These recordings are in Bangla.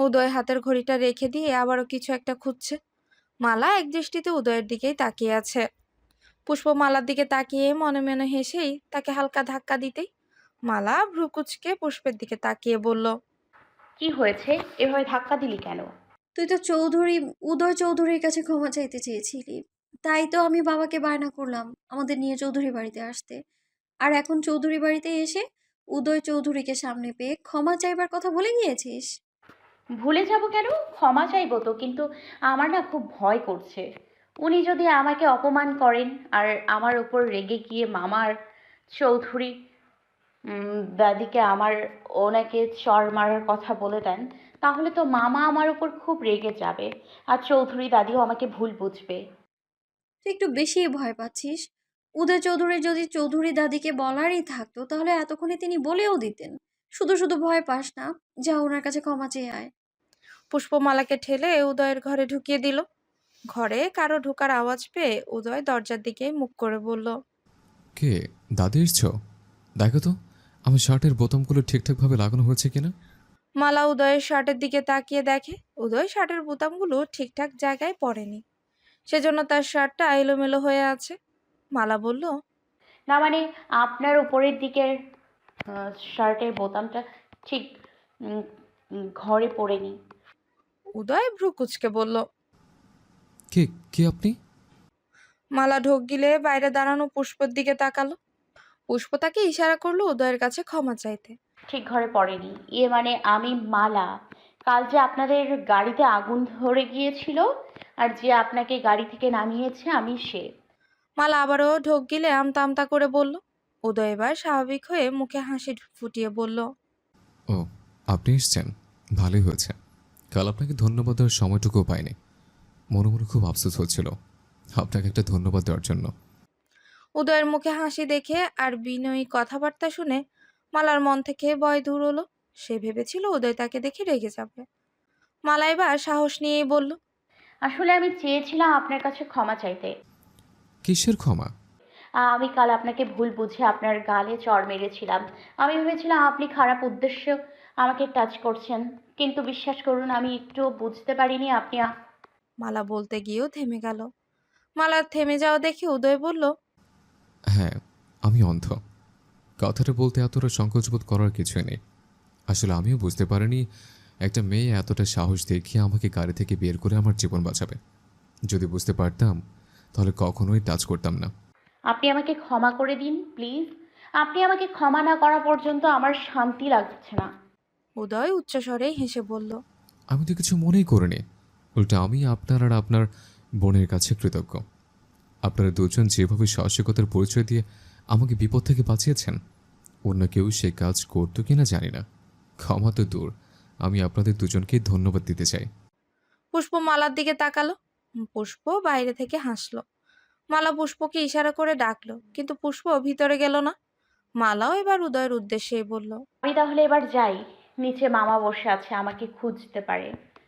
উদয় হাতের ঘড়িটা রেখে দিয়ে আবারও কিছু একটা খুঁজছে। মালা একদৃষ্টিতে উদয়ের দিকেই তাকিয়ে আছে। পুষ্প মালার দিকে তাকিয়ে মনে মনে হেসেই তাকে হালকা ধাক্কা দিতেই মালা ভ্রু কুঁচকে পুষ্পের দিকে তাকিয়ে বলল, কি হয়েছে? এভাবে ধাক্কা দিলি কেন? তুই তো উদয় চৌধুরীর কাছে ক্ষমা চাইতে চেয়েছিলি। তাই তো আমি বাবাকে বায়না করলাম আমাদের নিয়ে চৌধুরী বাড়িতে আসতে। আর এখন চৌধুরী বাড়িতে এসে উদয় চৌধুরীকে সামনে পেয়ে ক্ষমা চাইবার কথা বলে গিয়েছিস? ভুলে যাব কেন? ক্ষমা চাইবো তো, কিন্তু আমার না খুব ভয় করছে। উনি যদি আমাকে অপমান করেন আর আমার উপর রেগে গিয়ে মামার চৌধুরী দাদিকে ওনাকে চড় মারার কথা বলে দেন, তাহলে তো মামা আমার উপর খুব রেগে যাবে, আর চৌধুরী দাদিও আমাকে ভুল বুঝবে। তুই একটু বেশিই ভয় পাচ্ছিস। উদয় চৌধুরী যদি চৌধুরী দাদিকে বলারই থাকতো তাহলে এতক্ষণে তিনি বলেও দিতেন। শুধু শুধু ভয় পাস না, যা ওনার কাছে ক্ষমা চেয়ে আয়। পুষ্পমালাকে ঠেলে উদয়ের ঘরে ঢুকিয়ে দিল। ঘরে কারো ঢোকার আওয়াজ পেয়ে উদয় দরজার দিকে মুখ করে বলল, কে? দাদি এসছো? দেখো তো আমার শার্টের বোতামগুলো ঠিকঠাকভাবে লাগানো হয়েছে কিনা। মালা উদয়ের শার্টের দিকে তাকিয়ে দেখে উদয় শার্টের বোতামগুলো ঠিকঠাক জায়গায় পড়েনি, সেজন্য তার শার্টটা এলোমেলো হয়ে আছে। মালা বলল, না মানে, আপনার উপরের দিকের শার্টের বোতামটা ঠিক উম, ঘরে পড়েনি। উদয় ভ্রু কুঁচকে বলল। কে? কে আপনি? মালা ঢোক গিলে বাইরে দাঁড়ানো পুষ্পর দিকে তাকালো। পুষ্প তাকে ইশারা করলো উদয়ের কাছে ক্ষমা চাইতে। ঠিক ঘরে পড়েনি, ইয়ে মানে আমি মালা। কাল যে আপনাদের গাড়িতে আগুন ধরে গিয়েছিল, আর যে আপনাকে গাড়ি থেকে নামিয়েছে, আমি সে। মালা আবারও ঢোক গিলে আমতা আমতা করে বলল। উদয় এবার স্বাভাবিক হয়ে মুখে হাসি ফুটিয়ে বলল, ও, আপনি এসছেন, ভালোই হয়েছে। কাল আপনাকে ধন্যবাদ দেওয়ার সময়টুকুও পাইনি। মনে মনে খুব আফসোস হচ্ছিল আপনাকে একটা ধন্যবাদ দেওয়ার জন্য। উদয়ের মুখে হাসি দেখে আর বিনয়ী কথাবার্তা শুনে মালার মন থেকে ভয় দূর হলো। সে ভেবেছিল উদয় তাকে দেখে রেগে যাবে। মালা এবার সাহস নিয়েই বলল, আসলে আমি চেয়েছিলাম আপনার কাছে ক্ষমা চাইতে। কিসের ক্ষমা? আমি কাল আপনাকে ভুল বুঝে আপনার গালে চড় মেরেছিলাম। আমি ভেবেছিলাম আপনি খারাপ উদ্দেশ্য আমাকে টাচ করছেন, কিন্তু বিশ্বাস করুন আমি একটু বুঝতে পারিনি আপনি মালা বলতে গিয়েও থেমে গেল। মালার থেমে যাওয়া দেখে উদয় বলল, হ্যাঁ, আমি অন্ধ। কথাটা বলতে এতটা সংকোচবোধ করার কিছুই নেই। আসলে আমিও বুঝতে পারিনি একটা মেয়ে এতটা সাহস দেখিয়ে আমাকে গাড়ি থেকে বের করে আমার জীবন বাঁচাবে। যদি বুঝতে পারতাম তাহলে কখনোই টাচ করতাম না। আপনি আমাকে ক্ষমা করে দিন প্লিজ। আপনি আমাকে ক্ষমা না করা পর্যন্ত আমার শান্তি লাগছে না। উদয় উচ্চস্বরে হেসে বলল, আমি তো কিছু মনেই করিনি। উল্টো আমি আপনার আর আপনার বোনের কাছে কৃতজ্ঞ। আপনারা দুজন যেভাবে সাহসিকতার পরিচয় দিয়ে আমাকে বিপদ থেকে বাঁচিয়েছেন, অন্য কেউ সে কাজ করতো কিনা জানি না। ক্ষমা তো দূর, আমি আপনাদের দুজনকেই ধন্যবাদ দিতে চাই। পুষ্প মালার দিকে তাকালো। পুষ্প বাইরে থেকে হাসলো। মালা পুষ্পকে ইশারা করে ডাকলো, কিন্তু পুষ্প ভিতরে গেল না। মালাও এবার উদয়ের উদ্দেশ্যে বলল, আমি তাহলে এবার যাই, নিচে মামা বসে আছে, আমাকে খুঁজতে পারে।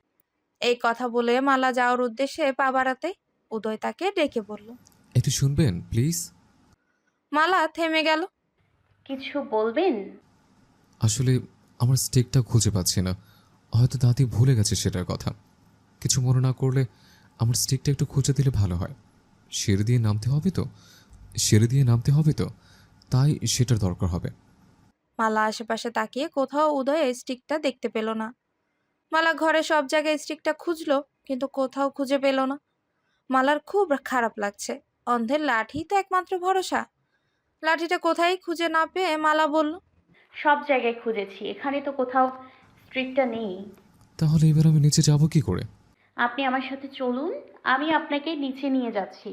এই কথা বলে মালা যাওয়ার উদ্দেশ্যে পা বাড়াতে উদয় তাকে ডেকে বলল। একটু শুনবেন প্লিজ? মালা থেমে গেল। কিছু বলবেন? আসলে আমার স্টিকটা খুঁজে পাচ্ছি না। হয়তো দাদি ভুলে গেছে সেটার কথা। কিছু মনে না করলে আমার স্টিকটা একটু খুঁজে দিলে ভালো হয়। সিঁড়ি দিয়ে নামতে হবে তো, সিঁড়ি দিয়ে নামতে হবে তো, তাই সেটার দরকার হবে। মালা আশেপাশে তাকিয়ে কোথাও উদয় স্টিকটা দেখতে পেল না। মালা ঘরে সব জায়গায় স্টিকটা খুঁজলো, কিন্তু কোথাও খুঁজে পেল না। মালার খুব খারাপ লাগছে। অন্ধের লাঠি তো একমাত্র ভরসা। লাঠিটা কোথায় খুঁজে না পেয়ে মালা বলল, সব জায়গায় খুঁজেছি, এখানে তো কোথাও স্ট্রিটটা নেই। তাহলে এবার আমি নিচে যাব কি করে? আপনি আমার সাথে চলুন, আমি আপনাকে নিচে নিয়ে যাচ্ছি।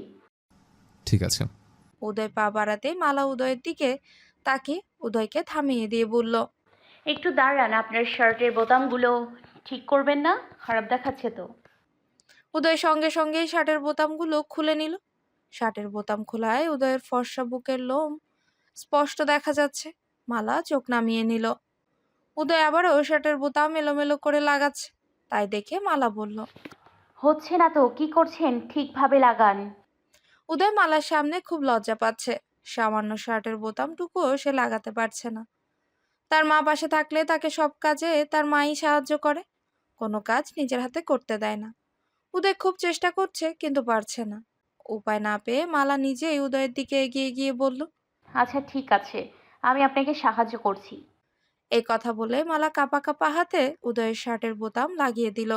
ঠিক আছে। উদয় পা বাড়াতে মালা উদয়ের দিকে তাকে উদয়কে থামিয়ে দিয়ে বলল, একটু দাঁড়ান, আপনার শার্টের বোতামগুলো ঠিক করবেন না? খারাপ দেখাচ্ছে তো। উদয় সঙ্গে সঙ্গেই শার্টের বোতামগুলো খুলে নিল। শার্টের বোতাম খোলায় উদয়ের ফর্সা বুকের লোম স্পষ্ট দেখা যাচ্ছে। মালা চোখ নামিয়ে নিল। উদয় আবারও শার্টের বোতাম এলোমেলো করে লাগাচ্ছে। তাই দেখে মালা বলল। হচ্ছে না তো, কি করছেন? ঠিকভাবে লাগান। উদয় মালার সামনে খুব লজ্জা পাচ্ছে। সামান্য শার্টের বোতামটুকুও সে লাগাতে পারছে না। তার মা পাশে থাকলে তাকে সব কাজে তার মাই সাহায্য করে। কোনো কাজ নিজের হাতে করতে দেয় না। উদয় খুব চেষ্টা করছে কিন্তু পারছে না। উপায় না পেয়ে মালা নিজেই উদয়ের দিকে এগিয়ে গিয়ে বলল, আচ্ছা ঠিক আছে, আমি আপনাকে সাহায্য করছি। এই কথা বলে মালা কাঁপা কাঁপা হাতে উদয়ের শার্টের বোতাম লাগিয়ে দিল।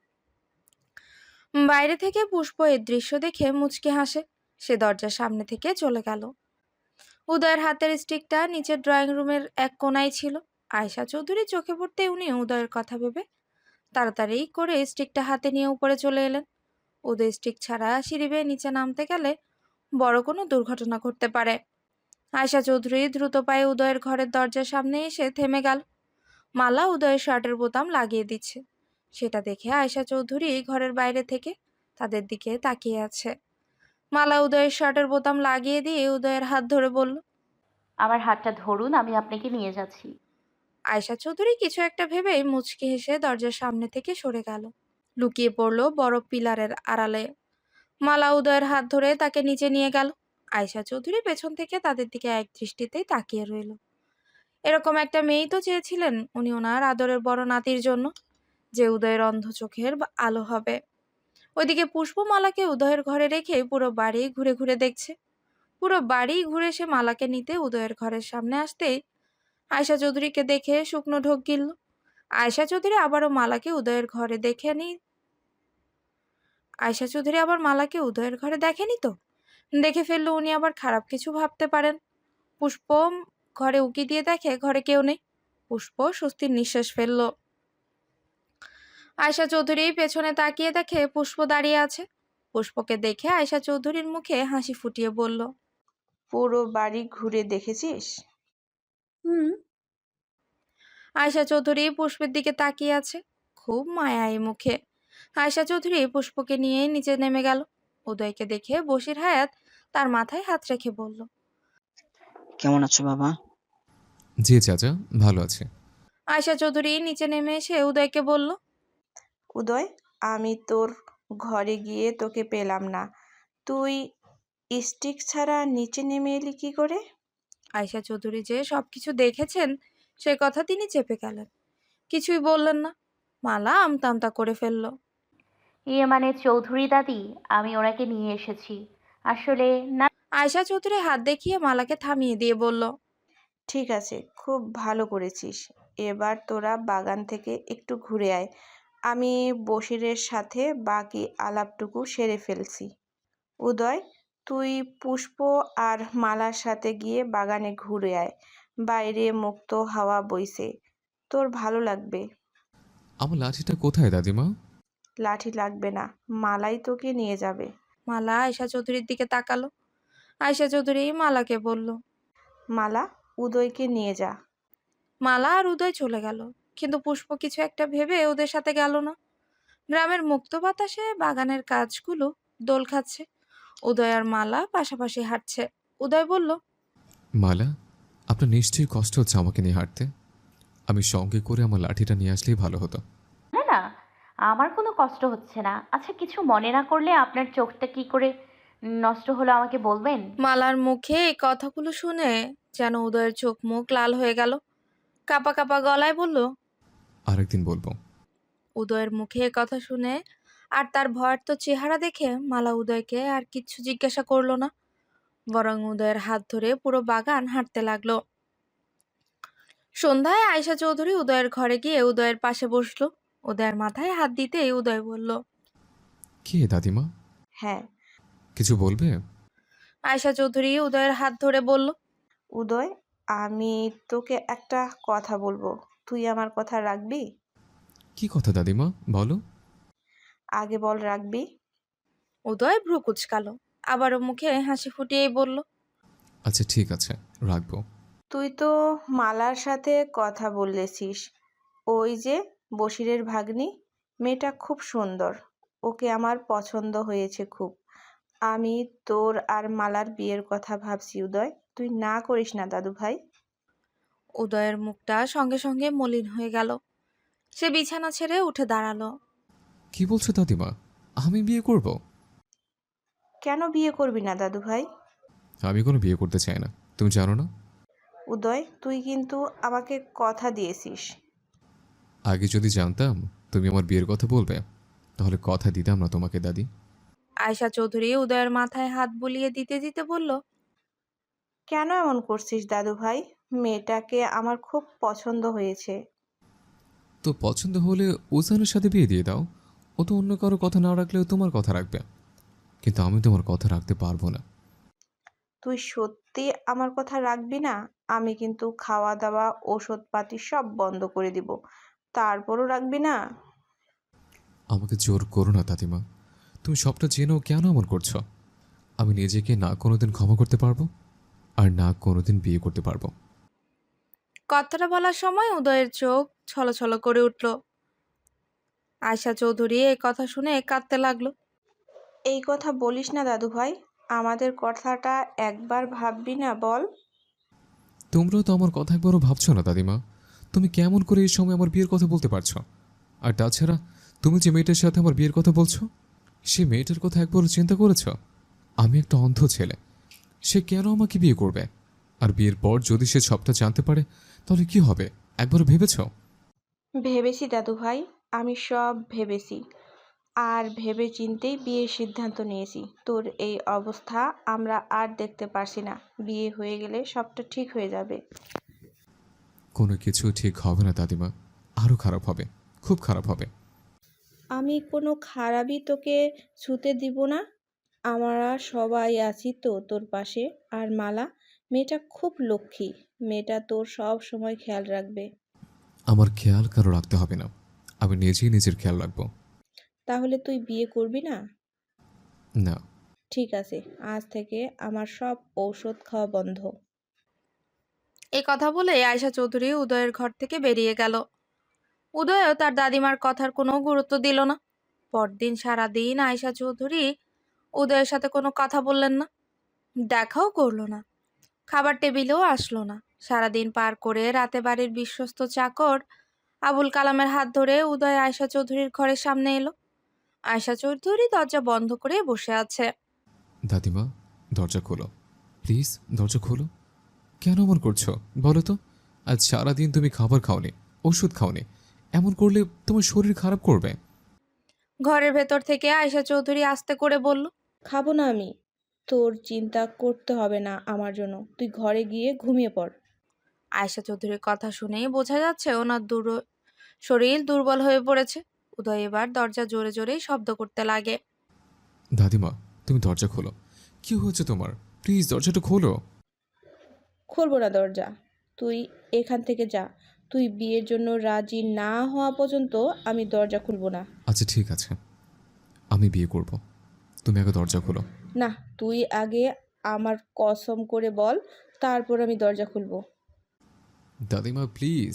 বাইরে থেকে পুষ্প এর দৃশ্য দেখে মুচকি হাসে। সে দরজার সামনে থেকে চলে গেল। উদয়ের হাতের স্টিকটা নিচের ড্রয়িং রুমের এক কোনায় ছিল। আয়শা চৌধুরী চোখে পড়তে উনি উদয়ের কথা ভেবে তাড়াতাড়ি করে স্টিকটা হাতে নিয়ে উপরে চলে এলেন। উদয় স্টিক ছাড়া সিঁড়ি বেয়ে নিচে নামতে গেলে বড় কোনো দুর্ঘটনা ঘটতে পারে। আয়শা চৌধুরী দ্রুত পায়ে উদয়ের ঘরের দরজার সামনে এসে থেমে গেল। মালা উদয়ের শার্টের বোতাম লাগিয়ে দিচ্ছে। সেটা দেখে আয়শা চৌধুরী ঘরের বাইরে থেকে তাদের দিকে তাকিয়ে আছে। মালা উদয়ের শার্টের বোতাম লাগিয়ে দিয়ে উদয়ের হাত ধরে বলল, আমার হাতটা ধরুন, আমি আপনাকে নিয়ে যাচ্ছি। আয়শা চৌধুরী কিছু একটা ভেবেই মুচকি হেসে দরজার সামনে থেকে সরে গেল, লুকিয়ে পড়ল বড় পিলারের আড়ালে। মালা উদয়ের হাত ধরে তাকে নিচে নিয়ে গেল। আয়শা চৌধুরী পেছন থেকে তাদের দিকে এক দৃষ্টিতেই তাকিয়ে রইল। এরকম একটা মেয়েই তো চেয়েছিলেন উনি ওনার আদরের বড় নাতির জন্য, যে উদয়ের অন্ধ চোখের আলো হবে। ওইদিকে পুষ্পমালাকে উদয়ের ঘরে রেখে পুরো বাড়ি ঘুরে ঘুরে দেখছে। পুরো বাড়ি ঘুরে সে মালাকে নিতে উদয়ের ঘরের সামনে আসতেই আয়শা চৌধুরীকে দেখে শুকনো ঢোক গিলল। আয়শা চৌধুরী আবারও মালাকে উদয়ের ঘরে দেখেনি। আয়শা চৌধুরী আবার মালাকে উদয়ের ঘরে দেখেনি তো। দেখে ফেললো উনি আবার খারাপ কিছু ভাবতে পারেন। পুষ্প ঘরে উকি দিয়ে দেখে ঘরে কেউ নেই। পুষ্প স্বস্তির নিঃশ্বাস ফেলল। আয়শা চৌধুরী পেছনে তাকিয়ে দেখে পুষ্প দাঁড়িয়ে আছে। পুষ্পকে দেখে আয়শা চৌধুরীর মুখে হাসি ফুটিয়ে বলল, পুরো বাড়ি ঘুরে দেখেছিস? হুম। আয়শা চৌধুরী পুষ্পের দিকে তাকিয়ে আছে, খুব মায়া এই মুখে। আয়শা চৌধুরী পুষ্পকে নিয়ে নিচে নেমে গেল। উদয়কে দেখে বশির হায়াত তার মাথায় হাত রেখে বলল, কেমন আছো বাবা? জি চাচা, ভালো আছে। আয়শা চৌধুরী নিচে নেমে এসে উদয়কে বলল, উদয়, আমি তোর ঘরে গিয়ে তোকে পেলাম না। তুই স্টিক ছাড়া নিচে নেমে এলি কি করে? আয়শা চৌধুরী যে সবকিছু দেখেছেন সে কথা তিনি চেপে গেলেন, কিছুই বললেন না। মালা আমতা আমতা করে ফেলল। ইয়ে মানে চৌধুরী দাদি, আমি ওনাকে নিয়ে এসেছি। আসলে না। আয়শা চৌধুরী হাত দেখিয়ে মালাকে থামিয়ে দিয়ে বলল, ঠিক আছে, খুব ভালো করেছিস। এবার তোরা বাগান থেকে একটু ঘুরে আয়। আমি বশিরের সাথে বাকি আলাপটুকু সেরে ফেলছি। উদয়, তুই পুষ্প আর মালার সাথে গিয়ে বাগানে ঘুরে আয়। বাইরে মুক্ত হাওয়া বইছে, তোর ভালো লাগবে। আমার লাঠিটা কোথায় দাদিমা? লাঠি লাগবে না, মালাই তোকে নিয়ে যাবে। মালা আয়শা চৌধুরীর দিকে তাকালো। আয়শা চৌধুরী মালাকে বলল, মালা, উদয়কে নিয়ে যা। মালা আর উদয় চলে গেল, কিন্তু পুষ্প কিছু একটা ভেবে ওদের সাথে গেল না। গ্রামের মুক্ত বাতাসে বাগানের কাজগুলো দোল খাচ্ছে। উদয় আর মালা পাশাপাশি হাঁটছে। উদয় বলল, মালা, আপনার নিশ্চয়ই কষ্ট হচ্ছে আমাকে নিয়ে হাঁটতে। আমি সঙ্গে করে আমার লাঠিটা নিয়ে আসলেই ভালো হতো। না না, আমার কোনো কষ্ট হচ্ছে না। আচ্ছা, কিছু মনে না করলে আপনার চোখটা কি করে নষ্ট হলো আমাকে বলবেন? মালার মুখে এই কথাগুলো শুনে যেন উদয়ের চোখ মুখ লাল হয়ে গেল। কাপা কাপা গলায় বলল, আরেকদিন বলবো। উদয়ের মুখে এ কথা শুনে আর তার ভয়ার্ত চেহারা দেখে মালা উদয়কে আর কিচ্ছু জিজ্ঞাসা করলো না, বরং উদয়ের হাত ধরে পুরো বাগান হাঁটতে লাগলো। সন্ধ্যায় আয়শা চৌধুরী উদয়ের ঘরে গিয়ে উদয়ের পাশে বসলো। উদয়ের মাথায় হাত দিতেই উদয় বলল, কে দাদিমা? হ্যাঁ। কিছু বলবে? আয়শা চৌধুরী উদয়ের হাত ধরে বলল, উদয়, আমি তোকে একটা কথা বলবো, তুই আমার কথা রাখবি? কি কথা দাদিমা, বলো। আগে বল, রাখবি? উদয় ভ্রু কুচকালো, আবারও মুখে হাসি ফুটিয়েই বলল, আচ্ছা ঠিক আছে, রাখবো। তুই তো মালার সাথে কথা বলেছিস, ওই যে বশিরের ভাগ্নি, মেয়েটা খুব সুন্দর, ওকে আমার পছন্দ হয়েছে খুব। আমি তোর আর মালার বিয়ের কথা ভাবছি উদয়, তুই না করিস না দাদু ভাই। উদয়ের মুখটা সঙ্গে সঙ্গে মলিন হয়ে গেল। সে বিছানা ছেড়ে উঠে দাঁড়ালো। কি বলছো দাদিমা? আমি বিয়ে করব? কেন বিয়ে করবি না দাদু ভাই? আমি কোনো বিয়ে করতে চাই না, তুমি জানো না। উদয়, তুই কিন্তু আমাকে কথা দিয়েছিস। আগে যদি জানতাম তুমি আমার বিয়ের কথা বলবে? তাহলে কথা দিতাম না তোমাকে দাদি। আয়শা চৌধুরী উদয়ের মাথায় হাত বুলিয়ে দিতে দিতে বলল, কেন এমন করছিস দাদু ভাই? মেয়েটাকে আমার খুব পছন্দ হয়েছে। তো পছন্দ হলে ওজানের সাথে বিয়ে দিয়ে দাও। ও তো অন্য কারো কথা না রাখলেও তোমার কথা রাখবে। কিন্তু আমি তোমার কথা রাখতে পারবো না। তুই সত্যি আমার কথা রাখবি না? আমি কিন্তু খাওয়া দাওয়া ওষুধপাতি সব বন্ধ করে দিব, তারপরও রাখবি না? আমাকে জোর করো না দাদিমা। তুমি সবটা জেনেও কেন এমন করছো? আমি নিজেকে না কোনোদিন ক্ষমা করতে পারবো, আর না কোনোদিন বিয়ে করতে পারবো। কথাটা বলার সময় উদয়ের চোখ ছলছল করে উঠল। আয়শা চৌধুরী এই কথা শুনে কাঁদতে লাগলো। এই কথা বলিস না দাদু ভাই, আমাদের কথাটা একবার ভাববি না বল? তোমরাও তো আমার কথা একবারও ভাবছো না দাদিমা। তুমি কেমন করে এই সময় আমার বিয়ের কথা বলতে পারছো? আর তাছাড়া তুমি যে মেয়েটার সাথে আমার বিয়ের কথা বলছো, সে মেয়েটার কথা একবারও চিন্তা করেছ? আমি একটা অন্ধ ছেলে, সে কেন আমাকে বিয়ে করবে? আর বিয়ের পর যদি সে সবটা জানতে পারে, তাহলে কি হবে একবারও ভেবেছ? ভেবেছি দাদু ভাই, আমি সব ভেবেছি। আর ভেবে চিন্তেই বিয়ের সিদ্ধান্ত নিয়েছি। তোর এই অবস্থা আমরা আর দেখতে পারছি না। বিয়ে হয়ে গেলে সবটা ঠিক হয়ে যাবে। কোনো কিছু ঠিক হবে না দাদিমা, আরও খারাপ হবে, খুব খারাপ হবে। আমি কোনো খারাপই তোকে ছুতে দিব না। আমরা সবাই আছি তো তোর পাশে। আর মালা, মেয়েটা খুব লক্ষ্মী। মেয়েটা তোর সব সময় খেয়াল রাখবে। আমার খেয়াল কারো রাখতে হবে না, আমি নিজেই নিজের খেয়াল রাখবো। তাহলে তুই বিয়ে করবি না? না। ঠিক আছে, আজ থেকে আমার সব ঔষধ খাওয়া বন্ধ। এই কথা বলে আয়শা চৌধুরী উদয়ের ঘর থেকে বেরিয়ে গেল। উদয়ও তার দাদিমার কথার কোনো গুরুত্ব দিল না। পরদিন সারাদিন আয়শা চৌধুরী উদয়ের সাথে কোনো কথা বললেন না, দেখাও করলো না, খাবার টেবিলেও আসলো না। সারাদিন পার করে রাতে বাড়ির বিশ্বস্ত চাকর আবুল কালামের হাত ধরে উদয় আয়শা চৌধুরীর ঘরের সামনে এলো। আয়শা চৌধুরী দরজা বন্ধ করে বসে আছে। দাদিমা, দরজা খোলো, প্লিজ দরজা খোলো। কেন এমন করছো বলো তো? আজ সারাদিন তুমি খাবার খাওনি, ওষুধ খাওনি। এমন করলে তোমার শরীর খারাপ করবে। ঘরের ভেতর থেকে আয়শা চৌধুরী আস্তে করে বলল, খাবো না আমি। তোর চিন্তা করতে হবে না আমার জন্য, তুই ঘরে গিয়ে ঘুমিয়ে পড়। আয়শা চৌধুরীর কথা শুনেই বোঝা যাচ্ছে ওনার শরীর দুর্বল হয়ে পড়েছে। উদয় এবার দরজা জোরে জোরে শব্দ করতে লাগে। দাদিমা, তুমি দরজা খোলো। কি হয়েছে তোমার? প্লিজ দরজাটা খোলো। খুলবো না দরজা। তুই এখান থেকে যা। তুই বিয়ের জন্য রাজি না হওয়া পর্যন্ত আমি দরজা খুলবো না। আচ্ছা ঠিক আছে, আমি বিয়ে করব। তুমি আগে দরজা খোলো। না, তুই আগে আমার কসম করে বল, তারপর আমি দরজা খুলবো। দাদিমা প্লিজ।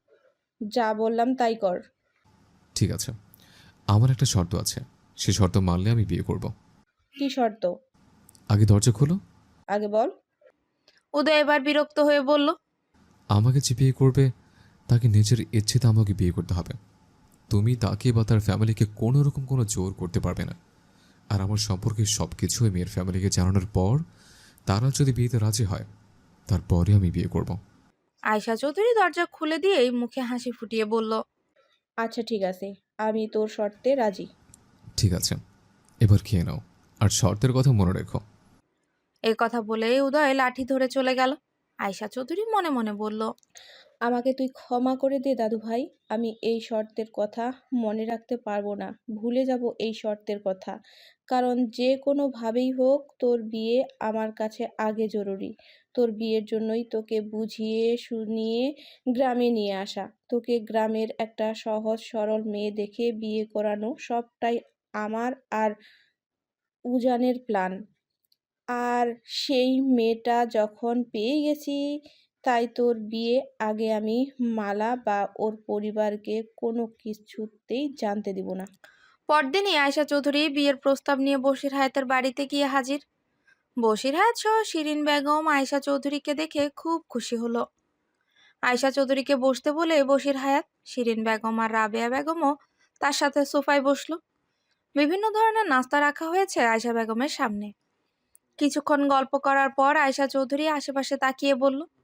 যা বললাম তাই কর। ঠিক আছে, আমার একটা শর্ত আছে, সে শর্ত মানলে আমি বিয়ে করব। কি শর্ত? আগে দরজা খোলো। আগে বল। উদয় এবার বিরক্ত হয়ে বলল, আমাকে যে বিয়ে করবে তাকে নিজের ইচ্ছেতে আমাকে বিয়ে করতে হবে। তুমি তাকে বা তার ফ্যামিলিকে কোনো রকম কোনো জোর করতে পারবে না। আর আমার সম্পর্কে সব কিছু ওই মেয়ের ফ্যামিলিকে জানানোর পর তারা যদি বিয়েতে রাজি হয়, তারপরে আমি বিয়ে করব। আয়শা চৌধুরী দরজা খুলে দিয়েই মুখে হাসি ফুটিয়ে বলল, আচ্ছা ঠিক আছে, আমি তোর শর্তে রাজি। ঠিক আছে, এবার খেয়ে নাও, আর শর্তের কথা মনে রেখো। এই কথা বলে উদয় লাঠি ধরে চলে গেল। আয়শা চৌধুরী মনে মনে বলল, আমাকে তুই ক্ষমা করে দে দাদু ভাই। আমি এই শর্তের কথা মনে রাখতে পারবো না, ভুলে যাব এই শর্তের কথা। কারণ যে কোনোভাবেই হোক তোর বিয়ে আমার কাছে আগে জরুরি। তোর বিয়ের জন্যই তোকে বুঝিয়ে শুনিয়ে গ্রামে নিয়ে আসা। তোকে গ্রামের একটা সহজ সরল মেয়ে দেখে বিয়ে করানো সবটাই আমার আর উজানের প্ল্যান। আর সেই মেয়েটা যখন পেয়ে গেছি, তাই তোর বিয়ে আগে আমি মালা বা ওর পরিবারকে কোনো কিছুতেই জানতে দিব না। পরদিনই আয়শা চৌধুরী বিয়ের প্রস্তাব নিয়ে বশির হায়াতের বাড়িতে গিয়ে হাজির। বশির হায়াত সহ শিরিন বেগম আয়শা চৌধুরীকে দেখে খুব খুশি হলো। আয়শা চৌধুরীকে বসতে বলে বশির হায়াত, শিরিন বেগম আর রাবেয়া বেগমও তার সাথে সোফায় বসলো। বিভিন্ন ধরনের নাস্তা রাখা হয়েছে আয়শা বেগমের সামনে। কিছুক্ষণ গল্প করার পর আয়শা চৌধুরী আশেপাশে তাকিয়ে বলল,